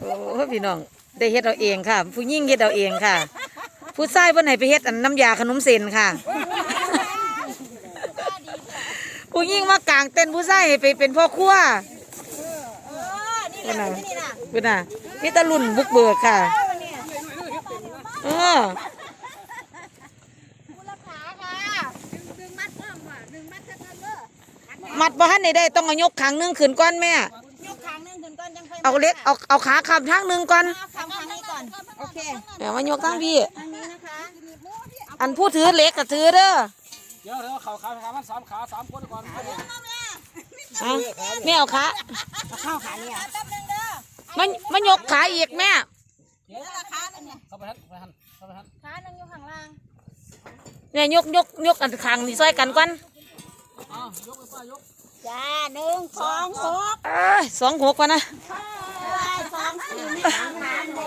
โอ้พี่น้องได้เฮ็ดเอาเองค่ะ ผู้หญิงเฮ็ดเอาเองค่ะ ผู้ชายเพิ่นให้ไปเฮ็ดอันน้ำยาขนมเส้นค่ะ ผู้หญิงมากางเต้นผู้ชายให้ไปเป็นพ่อครัวนี่แหละนี่น่ะนี่ตะลุ่นบุกเบิกค่ะมัดบ่ทันได้ต้องเอายกขางนึงขึ้นก่อนแม่ยกขางนึงขึ้นก่อนยังค่อยเอาเล็กเอาขาขับทางนึงก่อนขางนี้ก่อนโอเคเดี๋ยวมายกทางพี่ทางนี้นะคะอันผู้ถือเล็กกับถือเด้อเดี๋ยวขามัน3 ขา 3 คนก่อนแม่เอาขาเข้าขาเนี่ยมันยกขาอีกแม่ขาเนี่ยเข้าไปหันขานึงอยู่ข้างล่างเนี่ยยกอันขางนี่ซอยกันก่อนยกไปป้ายกจ้า1 2 6 26ป่ะนะ 2 4ไม่ทางน้ำ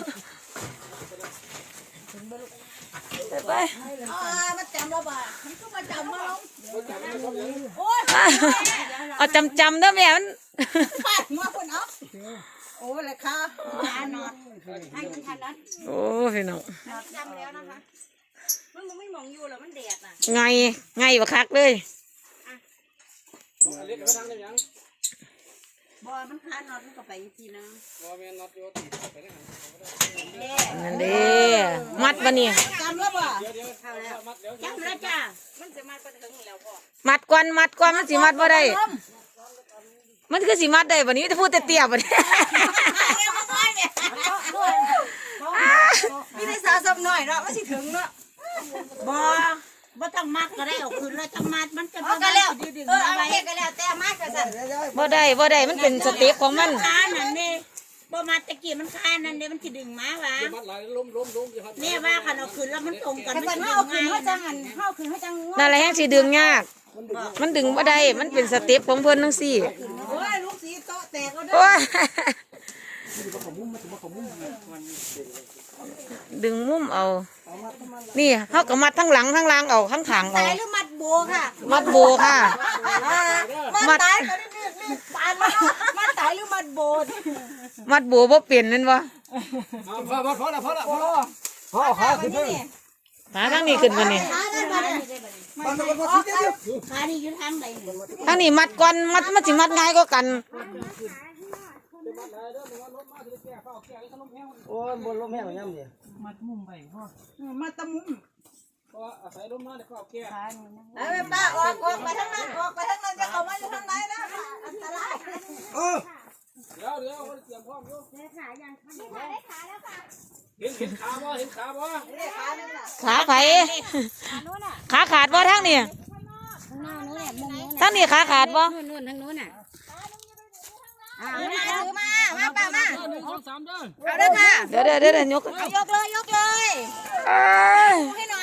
เลยไปมาจำเราบ่มันก็มาจำมาลงโอ้ยเอาจำเด้อแม่มันขาดมาคนเอาโอ้เลยค่ะนอนให้คุณทันนั้นโอ้พี่น้องจำแล้วนะคะมันไม่มองอยู่แล้วมันแดดน่ะไงบ่คักเลยเล็กไปทางได้ยังบ่มันขาดนอนมันก็ไปอีกทีนึงบ่แม่นน็อตอยู่ติดไปได้นั่นเด้มัดบ่นี่จำแล้วบ่เดี๋ยวเข้าแล้วมัดเดี๋ยวจำแล้วจ้ามันจะมาเป็นถึงแล้วพ่อมัดก่อนมันสิมัดบ่ได้มันคือสิมัดได้บ่นี้จะพูดแต่เตี้ยบ่นี้มีแต่สาวสับหน่อยเนาะมันสิถึงเนาะบ่ต้องมัดก็ได้เอาคืนแล้วจังมัดมันจะบ่ก็แล้วเอาไปก็แล้วแต่มัดก็สั่นบ่ได้มันเป็นสเต็ปของมันขานั่นนี่บ่มัดตะกี้มันขานั่นเด้มันสิดึงมาวะมัดหลายล้มนี่ว่าคันเอาคืนแล้วมันตรงกันมันเอาคืนเฮาจังอันเฮาคืนเฮาจังนั่นแหละแฮงสิดึงยากมันดึงบ่ได้มันเป็นสเต็ปของเพิ่นจังซี่โอ้ยลูกสีโตแตกเอาเด้อดึงมุมเอานี่เขาก็มัดทั้งหลังทั้งล่างเอาทั้งขางเอาตายหรือมัดโบค่ะมัดโบค่ะมัดตายก็นี่มัดตายหรือมัดโบมัดโบบ่เปลี่ยนนั่นวะพอละขาขึ้นเลยขาทั้งนี้ขึ้นมานี่ขานี่อยู่ทางไหนทั้งนี้มัดก่อนมันสิมัดง่ายกว่ากันโอ้ยบนลมแห้งย่ำดิมัดมุมไปพ่อมัดตะมุมเพราะว่าอาศัยลมมาเดี๋ยวก็เอาแก้ป้าออกไปทางนั้นจะเข้ามาอยู่ทางไหนนะอันตรายเดี๋ยวเตรียมพร้อมอยู่ได้ขายังได้ขาแล้วค่ะเห็นขาบ่ขาไผขาขาดบ่ทั้งนี้ทั้งนี้ขาขาดบ่นู่นทางนู้นน่ะถือมาป้ามาเอาเด้อค่ะเดี๋ยวยกเลยให้หน่อย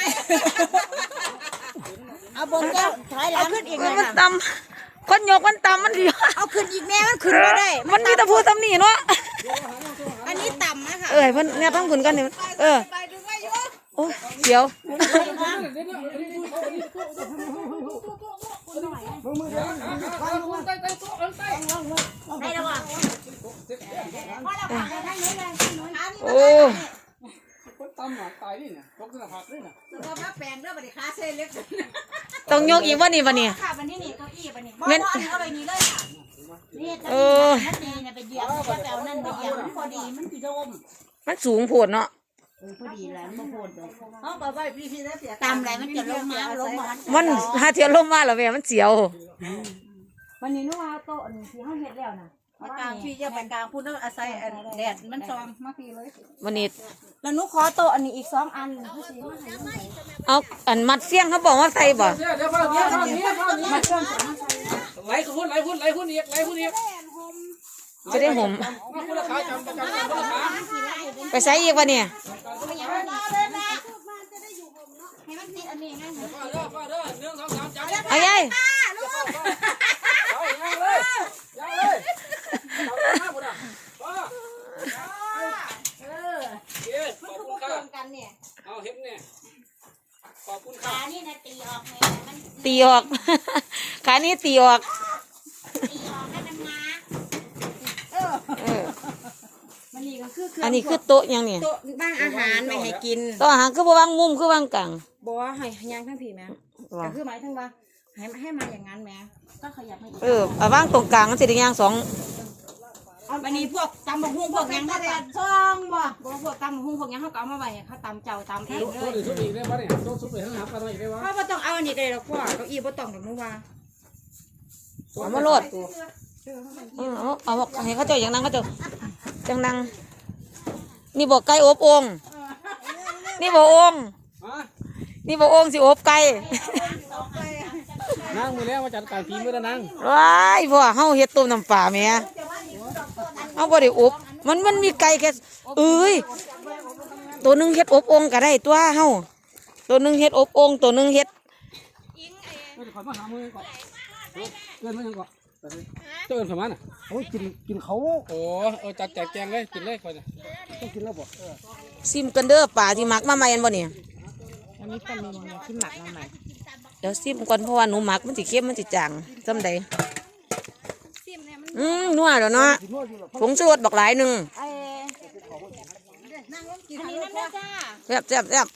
เอาบนก็ถอยหลังขึ้นอีกหน่อยมันต่ำคนยกมันต่ำมันดีเอาขึ้นอีกแม่มันขึ้นไม่ได้มันมีแต่พูดตำหนิเนาะอันนี้ต่ำนะคะเพิ่นเนี่ยต้องขึ้นกันเนี่ยโอ้เดี๋ยวให้ระวังโอ้คนตำหนักตายนี่เนี่ยตกสนผักนี่น่ะเราพักแปลงเด้อบัดนี้ขาเส้นเล็กต้องยกอีกว่านี่วันนี้ค่ะวันนี้นี่เก้าอี้วันนี้บ่เอาไปนี่เลยค่ะนี่จะนี่เนี่ยไปเหยียบจะไปเอานั่นไปเหยียบมันพอดีมันสิโดมมันสูงโผดเนาะพอดีแล้วมันโผดเลยเอาไปไว้พี่แล้วเสียตามอะไรมันจะลงมามันหาเทียนลงมาแล้วแม่มันเสียววันนี้นู้นเอาโต๊ะนี่ที่ห้องเฮ็ดแล้วนะกลางพี่จะเป็นกลางพูดเรื่องอาศัยแดดมันซอมมาพี่เลยวันนี้แล้วนุขอโต๊ะอันนี้อีก2 อันเอาอันมัดเสี้ยงเขาบอกว่าใส่บ่ไหลคุณอีกจะได้ห่มไปใส่อีกวะเนี่ยเอาใหญ่เอาเห็นเนี่ยขอบคุณค่ะขานี่นะตีออกเลยมันตีออกขานี้ตีออกให้มันมามันคือเครื่อันนี้คือโต๊ะยังนี่โต๊ะบ้างอาหารไม่ให้กินโต๊ะอาหารคือบ่วางมุมคือวางกลางบ่ให้ย่างทั้งผีแม่ก็คือหมายถึงว่าให้มาอย่างนั้นแม่ก็ขยับให้อีกเอาวางตรงกลางมันสิได้ย่างสองวันนี้พวกตำบักหุ่งพวกหยังเขาตัดช่องบ่พวกตำบักหุ่งพวกหยังเขาก็เอามาไว้ให้เขาตำเจ้าตำเองเลตัวย นี้ชุดอีกได้ปะเนี่ยตัวชุดไปข้างหน้ากันอีกได้ปะเพราะว่าต้องเอาอันนี้ก็ได้หรอกพ่อเก้าอี้บ่ต้องดอกนู้ว่าเอามาโลดเอาให้เขาเจ้าอย่างนั้นเขาเจ้าจังนั่งนี่บอกไก่อบโองนี่บอกโองฮะนี่บอกโองสิอบไก่นั่งมือแล้วมาจัดการผีมือแล้วนั่งว้ายพ่อเฮาเฮ็ดต้มน้ำปลาแหม่เฮาบ่ได้อบมันมีไก่แค่เอ้ยตัวหนึงเฮ็ดอบโองก็ได้ตัวเฮาตัวหนึงเฮ็ดอบโองตัวหนึงเฮ็ดเดี๋ยวขอมาหามือก่อนเกินมายังก่อนเกินประมาณน่ะโอ้ยกินเขาโอ้จัดแจกแจงเลยกินเลยก่อนต้องกินแล้วบ่ซิมกันเด้อปลาที่หมักมาใหม่อันบ่เนี่ยอันนี้ปลานิลเนี่ยที่หมักมาใหม่เดี๋ยวซิมก่อนเพราะว่าหนูหมักมันสิเค็มมันสิจางจำใดนัวแล้วเนาะผงชูรสบักหลายหนึงนั่งลงกินอันนี้น้ำเด้อจ้าแซ่บแซ่บแซ่บ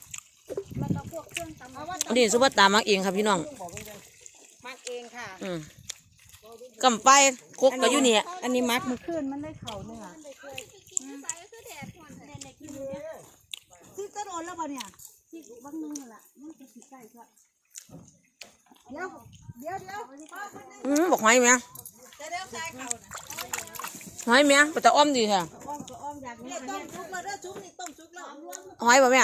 อันนี้ซุปเปอร์ตามักเองครับพี่น้องมักเองค่ะกำไปคุกก็อยู่นี่อันนี้มักมันขึ้นมันได้เข่าเนื้อที่ต้นอ่อนแล้วป่ะเนี่ยที่บางนึงล่ะมันจะสิใกล้ก็เดี๋ยวบอกหอยไหมจะเดี๋ยวใส่เข่านะหอยไหมแต่อ้อมดีค่ะอ้อมก็อ้อมอยากเนี่ยต้มชุกแล้วเด้อชุกนี่ต้มชุกแล้วหอยบ่แม่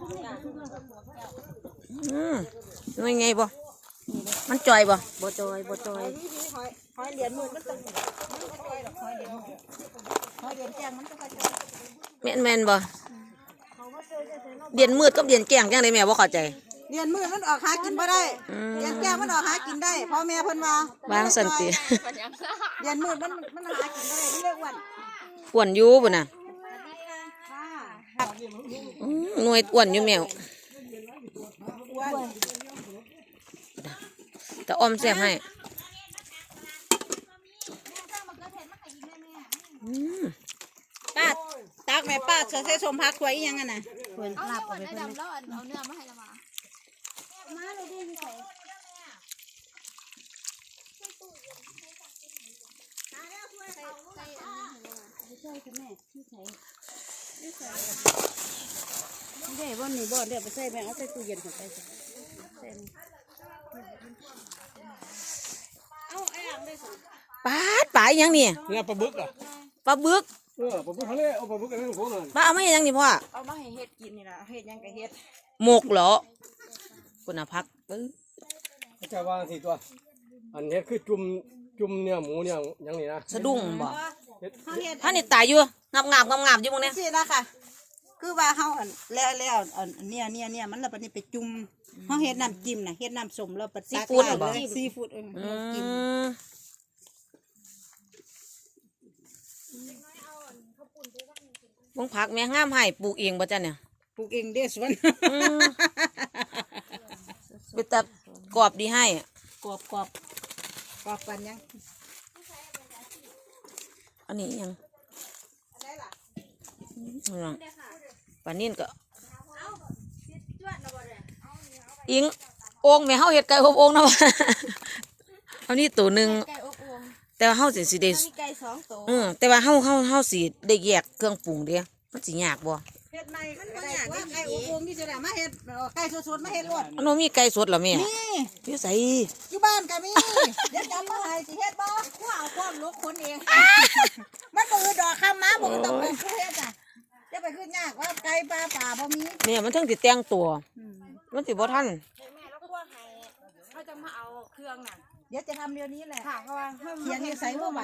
ยังไงบ่มันจ่อยบ่บ่จอยหอยเหรียญมือมันต้องหอยเหรียญแกงมันก็ค่อยจอยแม่นบ่เดียนมืดกับเดียนแกงจังไดแม่บ่เข้าใจเหรียญมือมันออกหากินบ่ได้เหรียญแกงมันออกหากินได้พ่อแม่เพิ่นว่าบางสันติเหรียญมือมันหากินได้มันเรียกว่าอ้วนอยู่พุ่นน่ะหน่วยอ้วนอยู่แมวแต่อ้อมแซ่บให้ป้าตักแม่ป้าใส่สมพักไว้ยังไงน่ะเอาลาบเอาไปเพิ่นแล้วเอาเนื้อมาให้ละมาเลยดิพี่ใส่ได้บ่นี่บ่เดี๋ยวไปใส่แม่เอาใส่ตู้เย็นของไปใส่เอาไอ้หลังได้สิปลาอีหยังนี่เนี่ยปลาบึกอ่ะปลาบึกปลาบึกทะเลเอาปลาบึกกันให้ผมหน่อยปลาเอามาให้หยังนี่พ่อเอามาให้เฮ็ดกินนี่ล่ะเฮ็ดยังก็เฮ็ดหมกเหรอคุณน่ะพักจะวางสิตัวอันนี้คือจุ่มเนี่ยหมูเนี่ยยังนี่นะสะดุ้งบ่เฮ็ดท่านนี่ตายอยู่งับอยู่มึงเนี่ยสิล่ะค่ะ คือว่าเฮาอันแล้วอันเนี่ยมันแล้วบัดนี้ไปจุ่มเฮาเฮ็ดน้ำจิ้มน่ะเฮ็ดน้ำส้มแล้วปัดซีฟู้ดจิ้มมึงผักแม่งามให้ปลูกเองบ่จ้ะเนี่ยปลูกเองเด้อสวนเป็นแต่กรอบดีให้กรอบปันยังอันนี้ยังปลานิ่นก็อิงโอ่งแม่เฮาเฮ็ดไก่อบโอ่งนะวะเอานี่ตัวหนึงไก่อบโอ่งแต่ว่าเฮาสิได้มีไก่2ตัวแต่ว่าเฮาสิได้แยกเครื่องปรุงเด้มันสิยากบ่เฮ็ดใหม่มันบ่ยากว่าไก่อบโอ่งนี่จะได้มาเฮ็ดไก่สดๆมาเฮ็ดรวดอันนู้นมีไก่สดเหรอแม่นี่อยู่ไสอยู่บ้านก็มีเดี๋ยวจำมาให้สิเฮ็ดบ่กูเอาความลูกคนเองมันบ่คือดอกคำมาบ่ต้องเป็นผู้เฮ็ดจ้ะจะไปขึ้นยากว่าไก่ปลาบ่มีแม่มันถึงสิแต่งตัว มันสิบ่ทันแม่แล้วคั่วให้เขาจะมาเอาเครื่องน่ะเดี๋ยวจะทำเดี๋ยวนี้แหละค่ะเพราะว่าเขียนอยู่ใส่เมื่อวาน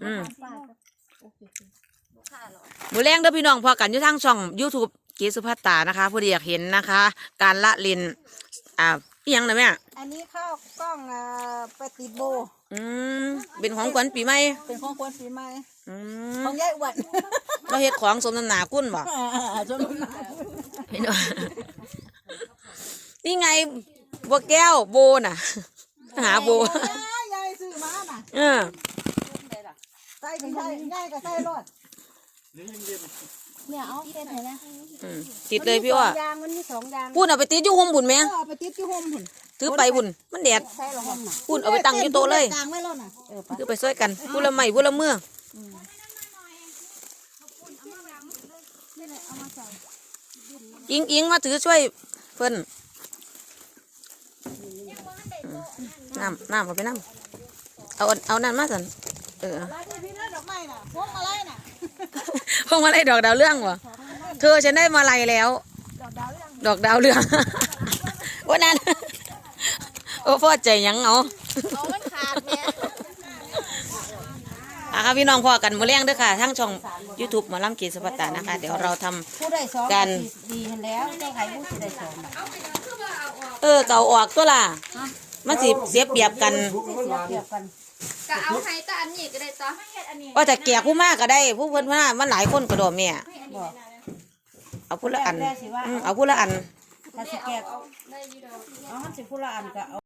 มื้อแรงเด้อพี่น้องพอกันอยู่ทางช่อง YouTube เกสุภัตตานะคะผู้ใดอยากเห็นนะคะ การละเล่นอีหยังนะแม่อันนี้เข้ากล้องไปติดโบเป็นของขวัญปีใหม่เป็นของคนปีใหม่อืมของยายอ้วนเราเฮ็ดของสมน้ำหน้ากุ้นบ่จนมันพี่น้องนี่ไงบัวแก้วโบน่ะ หาโบยายซื้อมาน่ะเออใส่ก็ใส่ยายก็ใส่รถเนี่ยเอาเฮ็ดให้นะติดเลยพี่อ้อยางมันมี2อย่างพูดเอาไปติดอยู่ห่มบุญแม่เอาไปติดที่โฮมพุ่นถือไปบุญมันแดดใช่หรอห่มน่ะพูดเอาไปตั้งอยู่โต๊ะเลยกลางไว้แล้วน่ะไปคือไปช่วยกันพูดละไม่พูดละเมื่ออิงมาถือช่วยเพิ่นน้ำเอาไปน้ำเอานั่นมาสันมาที่พี่นะดอกไม้น่ะพวงมาลัยน่ะพวงมาลัยดอกดาวเรื่องวะเธอฉันได้มาลัยแล้ว ดอกดาวเรื่องวันนั้นโอ้พ่อใจยังเอาเอามันขาดแม่ค่ะพี่น้องพ่อกันมาเลี้ยงด้วยค่ะทั้งช่อง YouTube หมอลำเกียรติสุภัตตานะคะ เดี๋ยวเราทำผู้ได้สองกันดีเห็นแล้วเจ้าไข่ผู้สิได้สองเก่าออกตัวล่ะมันสิเสียเปรียบกันเทียบกันก็เอาให้แต่อันนี้ก็ได้จ้ะว่าแต่แก่ผู้มากก็ได้ผู้เพิ่นว่ามันหลายคนก็ดอแม่บอกเอาพูดละอันแม่สิว่าเอาพูดละอันถ้าสิแกะเอามันสิผู้ละอันก็เอา